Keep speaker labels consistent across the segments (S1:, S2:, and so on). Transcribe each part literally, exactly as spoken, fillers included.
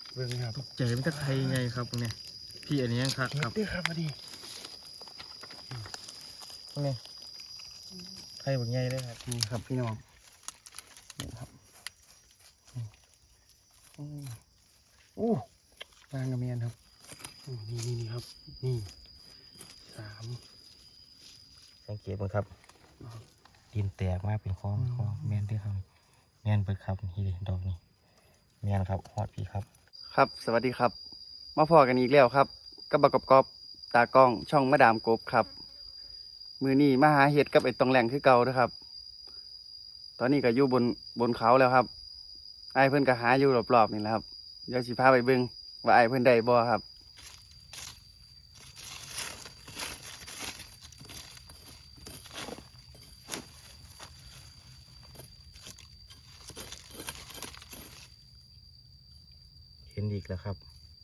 S1: เบิ่งครับ
S2: ตกใจมันจะใครไงครับพวกเนี้ยพี่อันนี้ยังครับครับ
S1: นี่ครับพอดี
S2: พวกนี้ใครแบบไงเลยครับ
S1: นี่ครับพี่น้องนี่ครับโอ้นางกระเมียนครับนี่นี่นี่ครับนี่สาม
S2: สังเกตมั้งครับดินแตกมากเป็นคลองคลองแมนด้วยครับแมนเปิดครับนี่เลยดอกนี้แมนครับฮอดพี่ครับ
S1: ครับสวัสดีครับมาพอกันอีกแล้วครับกับบักกอบตากล้องช่องมาดามกบครับมือนี้มาหาเห็ดกับไอ้ตองแหล่งคือเก่านะครับ ตอนนี้ก็อยู่บนบนเขาแล้วครับไอ้เพื่อนก็หาอยู่รอบๆนี่แหละครับเดี๋ยวสิพาไปเบิ่งว่าไอ้เพื่อนได้บ่ครับ
S2: เห็นอีกแล้วครับ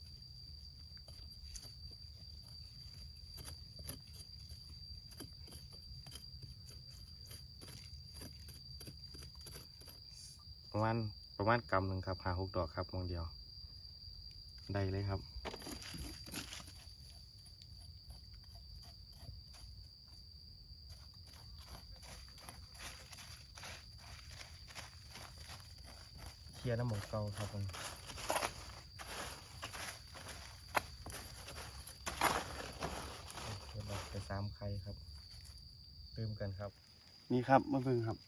S2: ประมาณประมาณกำหนึ่งครับหาหกดอกครับมองเดียวได้เลยครับเคลียร์น้ำหมกเก่าครับผมเดี๋ยวไปสามไข่ครับเติมกันครับ
S1: นี่ครับมาเบิ่งครับ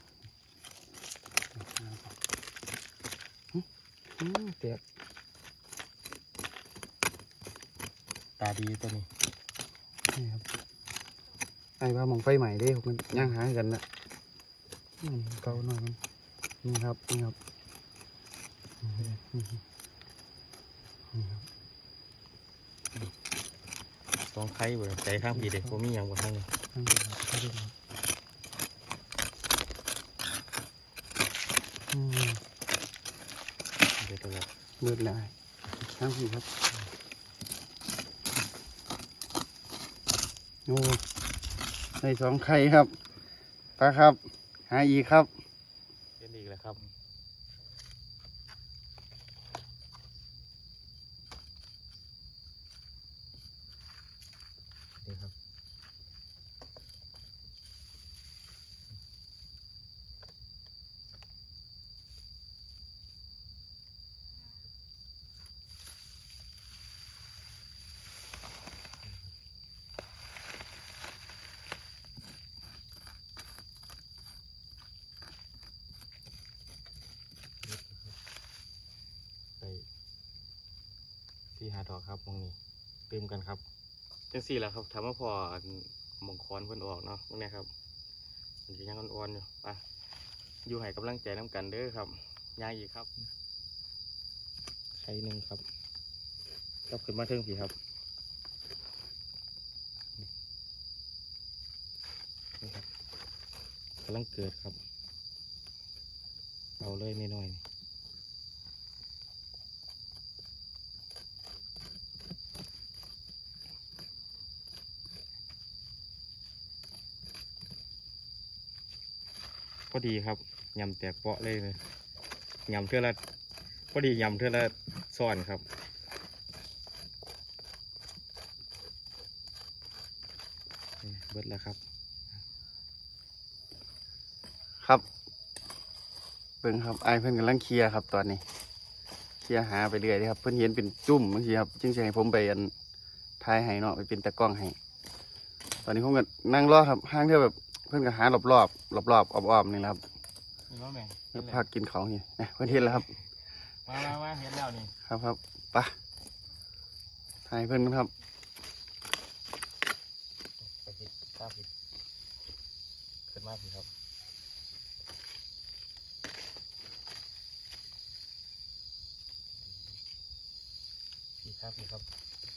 S1: เตียก
S2: ตาดีตัวนี้
S1: นี่ครับไอ้ว่ามองไฟใหม่ได้มันย่างหากันนะเก่าหน่อยมันนี่ครับนี่ครับนี่ครับ
S2: สองไข่เบอร์ใจข้างผีเด็กผมมีอย่างบนข้างนี้
S1: ข้างบนข้างบน
S2: เดี๋ยวตัวแบบ
S1: เบิดเลยข้างผีครับโอ้ในสองไข่ครับปลาครับหาอีกครับ
S2: เล่นอีกแล้วครับนี่ครับไปที่หาดอกครับมองนี้เติมกันครับจังสี่แหละครับทำมาพอมงคลเพิ่นออกเนาะตรงนี้ครับมันจะยังอ่อนๆอยู่ไปอยู่ให้กำลังใจน้ำกันเด้อครับย่างอีกครับไข่หนึ่งครับกลับขึ้นมาเทิงผีครับนี่ครับกำลังเกิดครับเอาเลยนิดหน่อยพอดีครับยำแตกเปาะเลยเลยยำเท่าละพอดียำเท่าละซ่อนครับเบิดแล้วครับ
S1: ครับเบิ่งครับไอ้เพื่อนกำลังเคลียร์ครับตอนนี้เคลียร์หาไปเรื่อยเลยครับเพื่อนเห็นเป็นจุ่มบางทีครับจึงจะให้ผมไปอันท้ายให้เนาะไปเป็นตะกล้องให้ตอนนี้ผมก็นั่งรอครับห้างเท่าแบบเพื่อนก็หารอบรอบรอบรอบๆอ้อมๆนี่แหละครับพักกินเขานี่เพื่อนเห็นแล้วครับ
S2: มามามาเห็นแล้วนี่
S1: ครับครับปะถ่ายเพื่อนครับ
S2: ไปผิดข้าวผิดขึ้นมาผิดครับผิดข้าวผิดครับ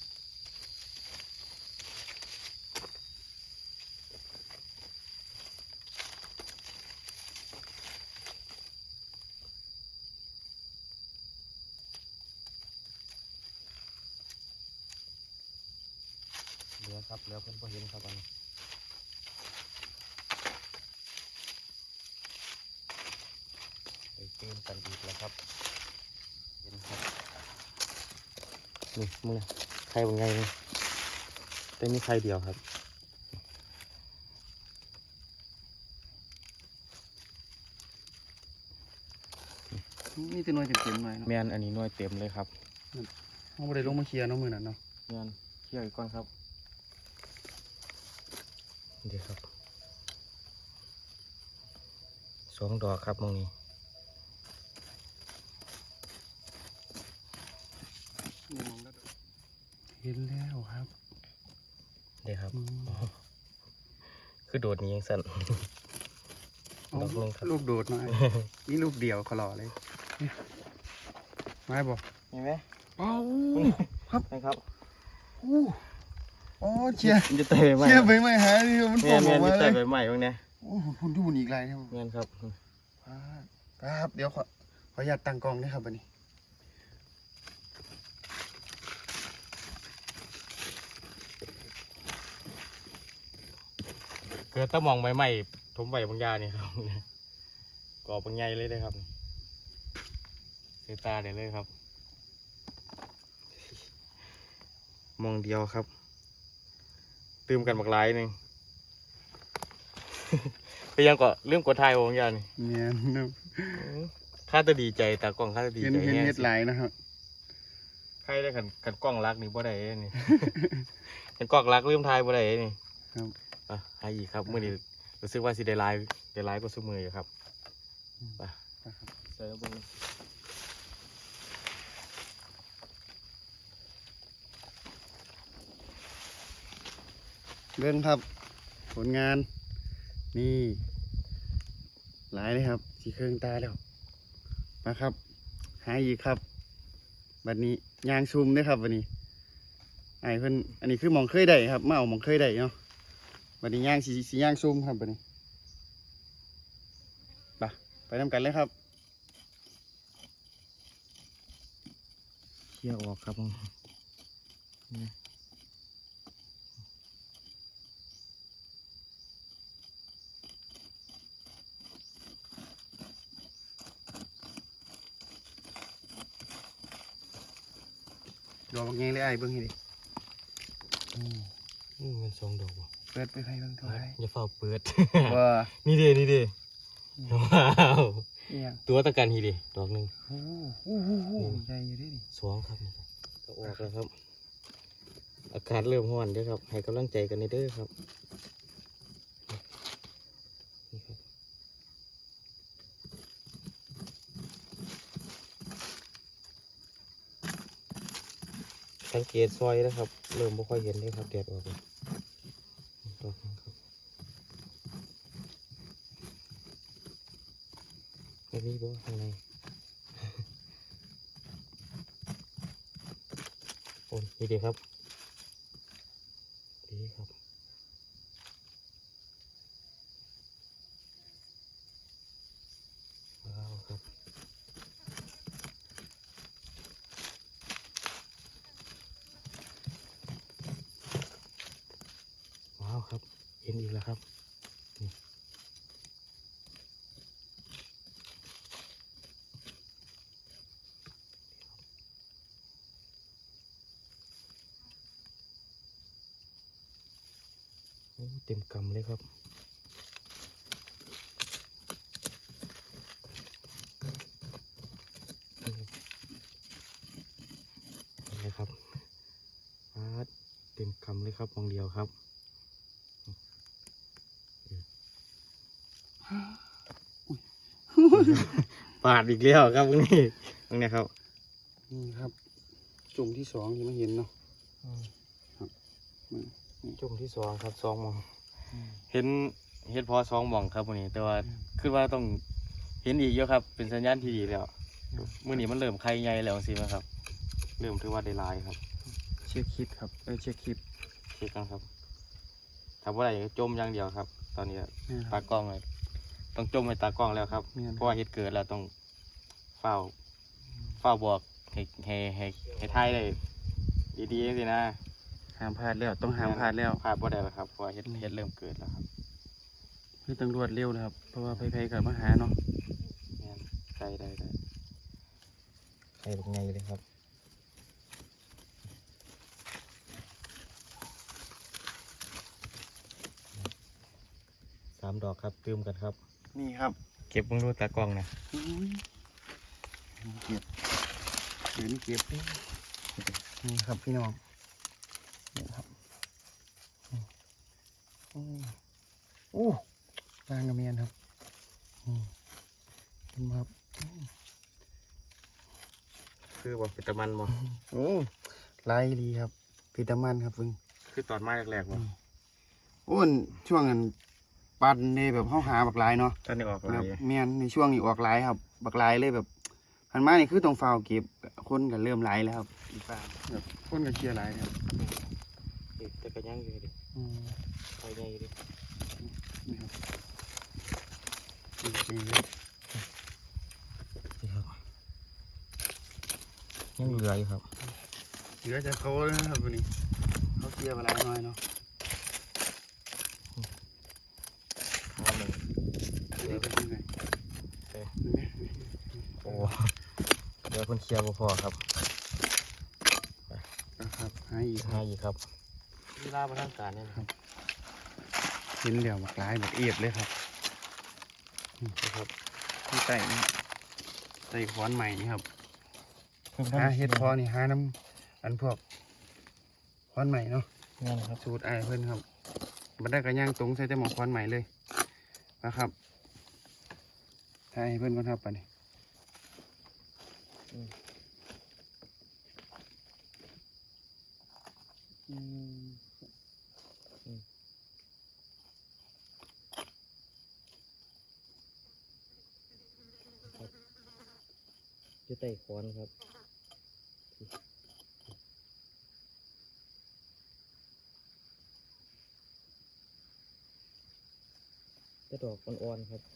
S2: เหลือครับเหลือเพิ่นพอเห็นครับอันนี้ไปเติมกันอีกแล้วครับเห็นครับนี่มึงนะไข่บางไงนี่แต่มีไข่เดียวครับ
S1: นี่จะน้อยเต็มๆหน่อยเนาะ
S2: แมนอันนี้หน่วยเต็มเลยครับ
S1: เขาบ่ได้ลงมาเคลียร์เนาะมื้อนั้นเนาะ
S2: แมนเคี่ยวอีกก้อนครับเดี๋ยวครับสองดอกครับมองนี้
S1: เห็นแล้วครับ
S2: เดี๋ยวครับ
S1: อืม
S2: อ๋อคือโดดนี้ยังสั่น
S1: เอา
S2: ดอกหนึ่งครับ
S1: ลูกโดดหน่อย นี่ลูกเดียวขอรอเลยเนี่ยไม้บอก
S2: เห็นไหม
S1: เอ้าครับ
S2: นะครับ
S1: อู้อ๋อเชียร์
S2: มันจะเตะใบไม้
S1: เชียร์ไปไม่หายนี่มัน
S2: แม
S1: โผล่
S2: นแม
S1: อน อก
S2: มั
S1: มาน เล
S2: เตะ
S1: ย
S2: ใบไม้ตรงเนี้ย
S1: โอ้โหคุณดูมันอีกไรเนี่ย
S2: แมนครับ
S1: ครับเดี๋ยวขอขออนุญาตตั้งกล้องนะครับวันนี้
S2: เกิดตะมองใบไม้ถมใบบางยานี่ครับก่อบางใหญ่เลยเลยครับเสียตาเดี๋ยวเลยครับ มองเดียวครับตื่มกันบักหลายหนึ่ง ไปยังก็เรื่องกดทายบางยานี่
S1: เนี่ยนะ
S2: ข้าจะดีใจตากล้องข้าจะดี
S1: เห็น
S2: ใจ
S1: เห็น
S2: แห้ง
S1: เห็ดไหลายนะครับ
S2: ใครได้ขันขันกล้องรักนี่บ่ได้เด้นี่ ขันกล้องรักลืมทายบ่ได้เด้นี่
S1: ครับ
S2: อ่ะให้อีกครับมื่อนี้รู้สึกว่าสิได้ไลฟ์ได้ไลฟ์ก็สู้มืออยู่ครับไปเสิร์ฟเบง
S1: เรื่องครับ ผลงาน นี่หลายเลยครับสีเครื่องตาแล้วมาครับ หาอีกครับบัดนี้ยางซุ่มด้วยครับวันนี้ไอ้เพิ่นอันนี้คือหมองเคยได้ครับมาเอาหมองเคยได้เนาะบัดนี้ย่างสีสีย่างซุ่มครับบัดนี้ไปไปทำกันเลยครับ
S2: เขี่ยออกครับมึงนี่
S1: ดอกยังเลยไอ้เบิ้งให้ดิ
S2: อืมมันสองดอกว่ะ
S1: เปิดไปไฟเบิ้งเท่าไหร่
S2: อย่าเฝ้าเปิด
S1: ว่า
S2: นี่เด้นี่เด้ว้าว
S1: เนี่ย
S2: ตัวตะกันทีเด้ดอกหนึ่ง
S1: โอ้โหโอ้โหโอ้โหใหญ่อยู่เดิ
S2: สองครับนี่ครับก็ออกแล้วครับ อากาศเริ่มร้อนเด้อครับ ให้กำลังใจกันในเด้อครับนี่ครับสังเกตซอยนะครับ เริ่มไม่ค่อยเห็นเลยครับแดดออกแล้วดอกหนึ่งครับไม่มีบ่ข้างใน โอ้ยนี่ดีครับดีครับว้าวครับว้าวครับเห็นอีกแล้วครับนี่โอ้เต็มกำเลยครับนี่นะครับอาร์ตเต็มกำเลยครับมองเดียวครับ ปาดอีกแล้วครับตรงนี้ตรงนี้ครับ
S1: นี่ครับจุ่มที่สองที่ไม่เห็นเนาะ
S2: จุ่มที่สองครับสองหมอง เห็นเห็นพอสองหมองครับวันนี้ แต่ว่าคือว่าต้องเห็นอีกเยอะครับ เป็นสัญญาณที่ดีแล้วมื่อนี้มันเริ่มไข่ใหญ่แล้วสิไหมครับ เริ่มถือว่าได้หลายครับ
S1: เช็คคลิปครับเออเช็คคลิป
S2: เช็คกันครับถ้าว่าอะไรจมอย่างเดียวครับ ตอนนี้
S1: นี่ค
S2: ตา
S1: รับ
S2: กล้องเลยต้องจมไปตากล้องแล้วครับ
S1: แม่น
S2: เพราะว่าเหตุเกิดแล้วต้องเฝ้าเฝ้าบอกให้ให้ให้ให้ทายได้ดีๆสินะ
S1: ห้ามพลาดแล้วต้องห้ามพลาดแล้ว
S2: พลาดบ่ได้แล้วครับเพราะว่าเหตุเหตุเริ่มเกิดแล้วครับ
S1: คือตำรวจเร็วนะครับเพราะว่าไพ่ๆกับมาหาเนาะ
S2: แม่นได้ได้ได้ใครเป็นไงเลยครับามดอกครับเติมกันครับ
S1: นี่ครับ
S2: เก็บมึงดูตากล้องนะ
S1: อุ้ยเก็บเดี๋ยวนี้เก็บนี่นี่ครับพี่น้องนี่ครับอืมโอ้ปลางกระเมียนครับอืมเห็นไหมครับอืม
S2: คือว่าเป็นตะมันบ่
S1: โอ้ลายดีครับพิตามันครับเพิ่ง
S2: คือตอนมาแรกๆบ่
S1: โอ้นช่วงนั้นปันในแบบเข้าหาบักลายเนาะ
S2: ตอนนี้ออก
S1: แบ
S2: ลา
S1: บ
S2: ย
S1: เมียนในช่วงนี้ออกลายครับ บักลายเลยแบบหันมานี่คือต้องฟาวเก็บคนก็เริ่มลายแล้วครับอีฟ้าแบบคนก็เคลียร์ลายครับ
S2: แต่ก็ยังอยู่ดิ
S1: อืม
S2: ไปใหญ่ดิ
S1: นี่ครับดีๆเลย
S2: นี่ครับยังเหลืออยู่ครับ
S1: เหลือจะเขาเลยนะครับวันนี้เขาเคลียร์บักลายน้อยเนาะ
S2: เอาหนึ่ง
S1: เหลือไปที่ไหน
S2: เอ้ย
S1: เห็นไหม
S2: โอ้เดี๋ยวเพิ่นเคลียร์บ่พอครับ
S1: นะครับหาอีกค
S2: หา
S1: รับ
S2: อีกครับเวลาประทางการเนี่ยนะครับ
S1: เห็นเดี๋ยวบักลายแบบเอียดเลยครับ
S2: นะครับ
S1: ที่ใต้นี่ใต้ขวานใหม่นี่ครับหาเห็ดพอนี่หาน้ำอันพวกขวานใหม่เนาะ
S2: นี่นะครับ
S1: สูตรไอ้ายเพิ่นครับบันไดกระย่างตรงใส่แต่หมอกขวานใหม่เลยนะครับทายให้เพิ่นก่อนครับไปนี่อืม
S2: อยู่ใต้คอนครับจะดอกอ่อนๆครับ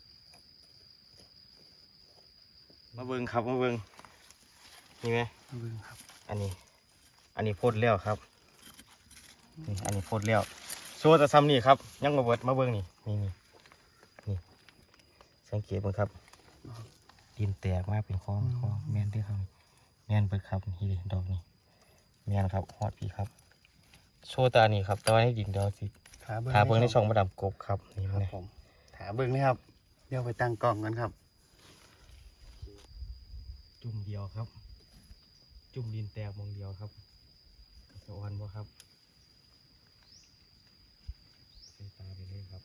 S2: มาเบิ่งครับมาเบิ่งนี่ไหม
S1: เอาเบิ่งครับ
S2: อันนี้ อันนี้โพดแล้วครับนี่อันนี้โพดแล้วโซ่จะซ้ำนี่ครับยังมาเบิดมาเบิ่งนี่นี่นี่นี่สังเกตเบิ่งครับดินแตกมาเป็นคลองคลองแมนเด้อครับแมนเบิดครับนี่ดิดอกนี่แมนครับฮอดพี่ครับโซ่ตานี่ครับตอนนี้ดินเดียวสิ
S1: ขาเบิ่ง
S2: หาเบิ่งในช่องมาดามกบครับนี่
S1: ครับ
S2: นะ
S1: ผมถาเบิ่งเลยครับเดี๋ยวไปตั้งกล้องกันครับ
S2: จุ่มเดียวครับ จุ่มดินแตกมองเดียวครับสะออนบ่ครับใส่ตาไปเลยครับ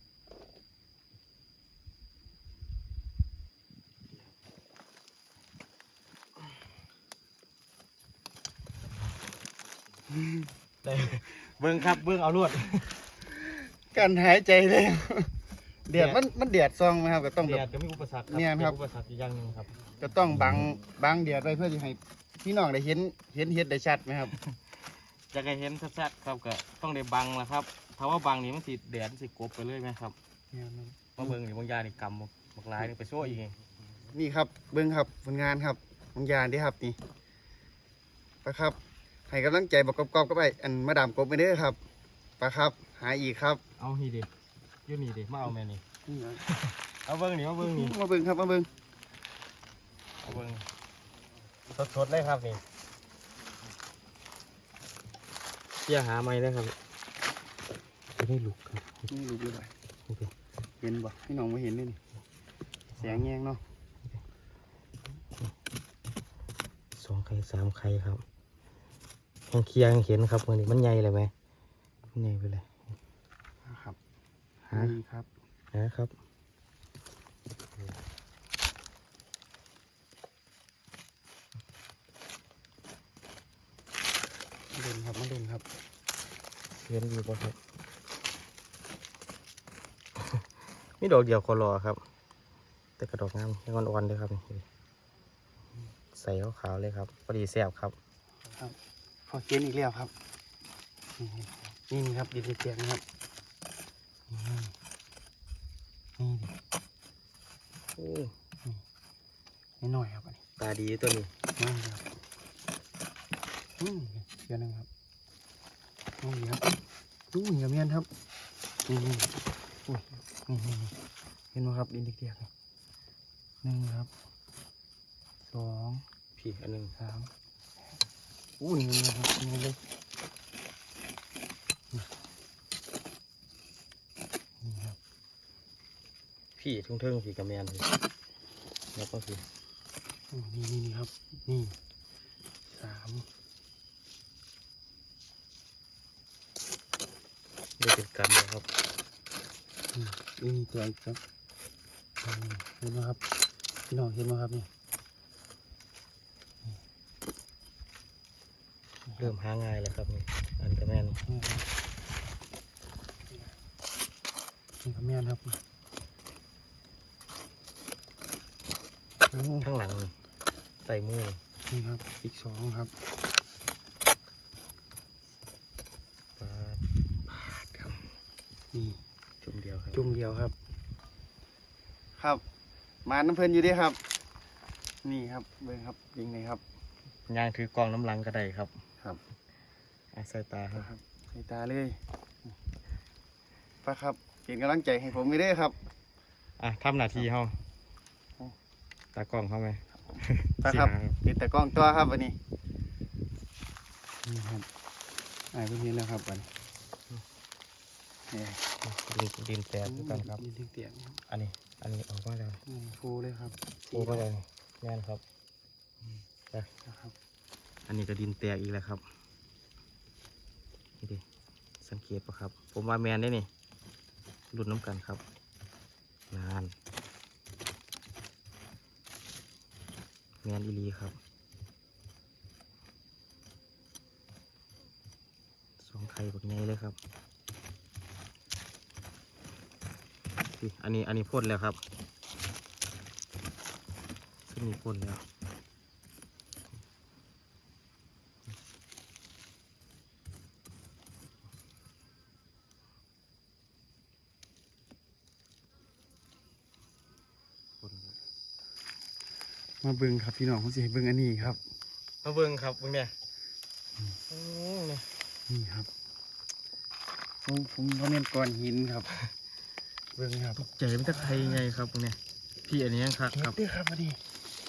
S2: ได้เบิ่งครับเบิ่งเอาลวด
S1: การหายใจเลยเดือดมันมันเดือดซองไหมครับก็ต้อง
S2: แด
S1: แบบ
S2: ดก็มีอุปสรรค
S1: เนี่ยครับ
S2: มีอุปสรรคอีกอย่างหนึงครับ
S1: ก็ต้องบังบังเดือดไว้เพื่อที่ให้พี่น้องได้เห็นเห็นเห็ดได้ชัดไหมครับ
S2: จะให้เห็นชัดๆครับก็ต้องได้บังละครับถ้าว่าบังนี่มันสิแดดมันสิกบไปเลยไหมครับมาเบิ่งนี่บางอยางนี่กำบักบักหลายนี่ไปโซ่อีกไง
S1: นี่ครับเบิ้งครับผลงานครับบางอย่างเด้ครับนี่ปะครับให้กำลังใจบอกกอบๆก็ไปอันมาดามกบไปเด้อครับปะครับ หาอีกครับ
S2: เอานี่ดิอยู่นี่ดิมาเอาแม่นี่
S1: นี่นะ
S2: เอาเบิ่งนี่มาเบิ่งนี่
S1: มาเบิ้งครับมาเบิ้ง
S2: เอาเบิ่งสดๆเลยครับนี่เกี่ยหาไม้เลยครับจะได้ลุกครับ
S1: นี่ลูกเลย
S2: โอเค
S1: เห็นบ่พี่น้องไม่เห็นเลยนี่แสงแยงเนาะ
S2: สองไข่สามไข่ครับยังเคลียร์ยังเห็นครับวันนี้มันใหญ่เลยไหมมันใหญ่ไปเลย
S1: นะครับ
S2: หา
S1: นี่ครับ
S2: นะครับ
S1: มาเด่นครับมาเด่นครับ
S2: เห็นอยู่ป่ะครับ มีดอกเดียวคอรอครับ แต่กระดอกงามยังอ่อนๆเลยครับนี่ใส่ขาวๆเลยครับพอดีแซ่บครับ
S1: ครับพอเขียนอีกแล้วครับนี่นี่ครับดินเจียงนะครับนี่นี่
S2: โอ้
S1: นี่หน่อยครับอันนี้
S2: ตาดีตัวนี้
S1: นี่ครับอืมเดี๋ยวนึงครับนี่ครับดูเหนียวเมียนครับนี่นี่อุ้ยนี่นี่นี่เห็นไหมครับดินเจียงหนึ่งครับสอง
S2: พี่อันหนึง
S1: สามอู้นี่นะครับนี่เลยนี่ครับ
S2: พี่ทุ่งเทิงพี่กระแมนพี่แล้วก็คือ
S1: โอ้นี่นี่นี่ครับ นี่สาม
S2: ได้เป็นกันนะครับ
S1: อืมนี่นี่ตัวอีกครับอืมเห็นไหมครับพี่น้องเห็นไหมครับนี่
S2: เริ่มหาง่ายแล้วครับนี่อันกระแมน
S1: นี่ครับนี่ครับแม่นครับโอ้
S2: ข้างหลังนี่ใส่มือ
S1: นี่ครับอีกสองครับ
S2: ปาด
S1: ครับนี่
S2: จุ่มเดียวครับ
S1: จุ่มเดียวครับ ครับมาน้ำเพลินอยู่เดีครับ นี่ครับเบิ่งครับยิงเลยครับ
S2: ย่างถือกองน้ำลังก็ได้ครับ
S1: ครับ
S2: อาใส่ตาครับ
S1: ครับใส่ตาเลยป้าครับเป็นกำลังใจให้ผมไม่ได้ครับ
S2: อ่ะทำหน้าที่เขาตากล้องเขาไหม
S1: ป้าครับ
S2: สิหา
S1: เป็นแต่กล้องตัวครับวันนี้นี่ครับอ่านเพิ่งเห็นแล้วครับวันนี้นี่
S2: ดินดินแตกด้วยกันครับ
S1: ยินเสียงครับ
S2: อันนี้ อันนี้ออกมาแล้ว
S1: อืมฟูเลยครับ
S2: โอ้ก็เลยแม่นครับไป
S1: นะครับ
S2: อันนี้ก็ดินแตกอีกแล้วครับนี่ดิสังเกตปะครับ ผมว่าแมนได้นี่หลุดน้ำกันครับนานแมนอีหลีครับสองไข่แบบนี้เลยครับสิอันนี้อันนี้พ่นแล้วครับซึ่งมีพ่นแล้วพ่นแล้ว
S1: มาเบิ่งครับพี่น้องผมจะให้เบิ่งอันนี้ครับ
S2: มาเบิ่งครับเบิ่งเนี่ยโอ้เนี่ย
S1: นี่ครับผมผมว่าเป็นก้อนหินครับ เบิ่งครับ
S2: ตกใจมันจะไทยไงครับเบิ่งเนี่ยพี่อันนี้ยังคัก
S1: เก็
S2: ครับ บ
S1: ด้วยครับอันนี้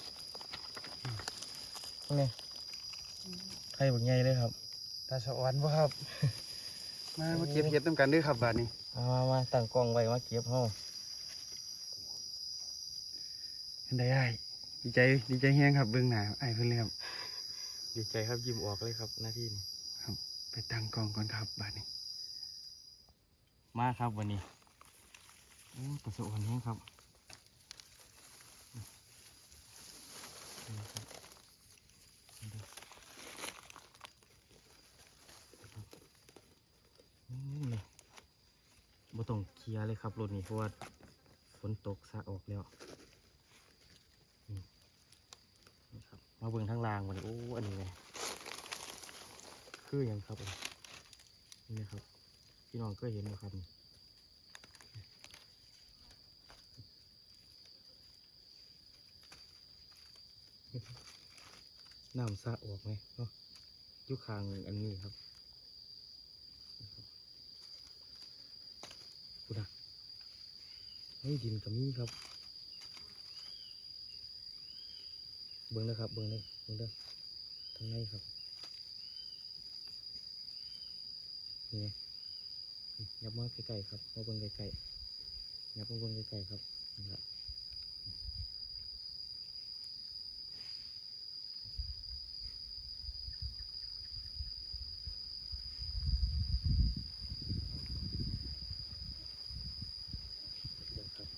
S2: เบิ่งเนี่ยไทยแบบไงเลยครับ
S1: ตาสวรรค์บ่ครับ มามาเก็บเห็ดน้ำกันด้วยครับบาดนี้
S2: มามามาตั้งกล้องไว้มาเก็บห้อง
S1: เป็นได้อ้ายดีใจดีใจแฮงครับเบิ่งหน้าอ้ายเพิ่นเลยครับ
S2: ดีใจครับยิ้มออกเลยครับหน้าที่นี้
S1: ไปตั้งกล้องก่อนครับบาดนี้
S2: มาครับวันนี้โอ้ประสบความแห้งครับนี่ครับนี่เลยบ่ต้องเคลียร์เลยครับรถนี้เพราะว่าฝนตกซะออกแล้วนี่นี่ครับมาเบิ่งทางล่างวันนี้โอ้อันนี้ไงคือหยังครับอันนี่นะครับพี่น้องก็เห็นนะครับนี่น้ำสะออกไหมเนาะอยุคางอันนี้ครับดูนะเฮ้ยดินกับนี้ครับเบิ้งนะครับเบิ้งเลยเบิ้งเด้อทางในครับนี่ไงยับมาใกล้ๆครับมาเบิ้งใกล้ๆยับมาเบิ้งใกล้ๆครับนี่แหละเดี๋ยวครับ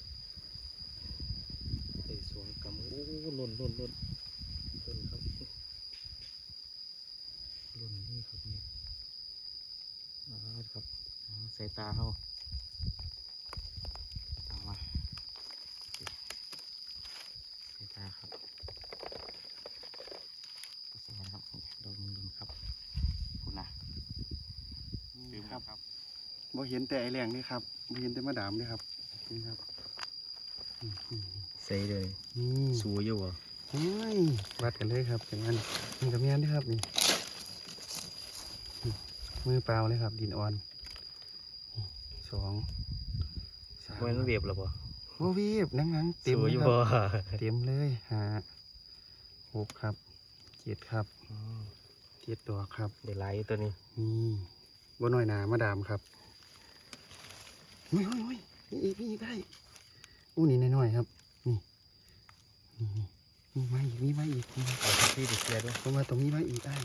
S2: ไอ้สวงกำโอ้หล่นหล่นหล่นหล่นครับหล่นนี่ครับนี่อ่าครับอ่าใส่ตาเขาเอามาใส่ตาครับสวัสดีครับเราลุงลุงครับคุณนะดื่มครับครับ
S1: บ่เห็นแต่ไอแรงนี่ครับบ่เห็นแต่มะดามนี่ครับนี่ครับอืมอืม
S2: ใส่เลย
S1: นี่
S2: สูอยู่เหรอ
S1: โอ้ยวัดกันเลยครับอย่างนั้นนี่กับแม่นด้วยครับนี่นี่มือเปล่าเลยครับ ดินอ่อนนี่สองสาม
S2: มันเวียบหรอปะ
S1: โอ้วีบนั่งนั่งเต็ม
S2: สู
S1: เลย
S2: อยู่
S1: ค
S2: บ่
S1: รับเต็มเลยหาหกครับเจ็ดครับเจ็ดตัวครับ
S2: เดี๋ยวไล่ตัวนี้
S1: นี่บ่น้อยหนามาดามครับอุ้ยอุ้ยอุ้ยนี่อีกนี่อีกได้อู้นี่น้อยๆครับนี่นี่นี่มาอีกนี่มาอีกนี่มา
S2: เอาที่ไปเคลียร์ด้วย
S1: ผมมาตรงนี้มาอีกได้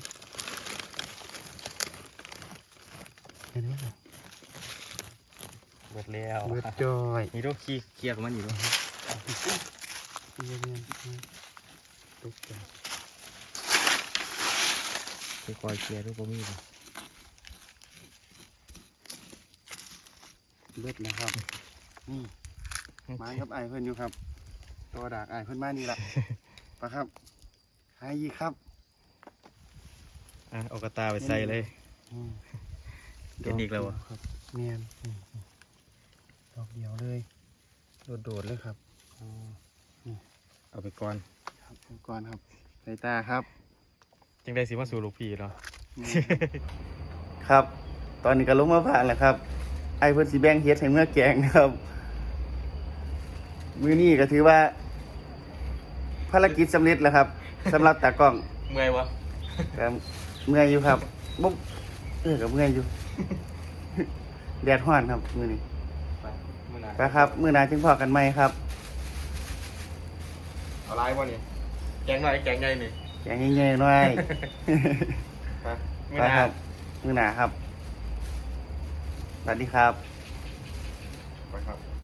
S1: เห็นไหมครับ
S2: เบิดแล้ว
S1: เบิดจอย
S2: นี่ต้องขี้เคลียร์กับมันอยู่ด้วย
S1: เรียนเรียนตกใจ
S2: ไปคอยเคลียร์ด้วยก็มีเลย
S1: เบิดนะครับนี่ไม้ครับไอายเพื่อนอยู่ครับ ตัวดากไอายเพื่อนมานี่ละปะครับหายอีกครับ
S2: อ่ะเอากระตาไปใส่เลย
S1: อืม
S2: เห็นอีกแล้วอะ
S1: ครับเนียนอืมดอกเดียวเลยโดดๆเลยครับ
S2: เอาไปก่อน
S1: ครับอุปกรณ์ครับสายตาครับ
S2: จังได้สิมาสู่ลูกพี่เนาะ
S1: ครับ ตอนนี้ก็ลงมาผ่านแล้วครับ ไอ้เพื่อนสีแบงเฮ็ดให้เมื่อแกงนะครับ มือนี้ก็ถือว่า ภารกิจสำเร็จแล้วครับสำหรับตากล้อง
S2: เมื่อยวะ
S1: ก็เมื่อยอยู่ครับบุ๊บเออกับเมื่อยอยู่ แดดร้อนครับมือนี้
S2: ไปมื่อไหร่
S1: ไปครับ มือหนาจึงพอกันไหมครับ
S2: เอาไลน์วะนี่แกงหน่อยแกงใหญ่นี่
S1: แกงง่ายๆหน่อย
S2: ไปมื่อ
S1: ไป
S2: ไหร่
S1: ครับ มือหนาครับ สวัสดีครับ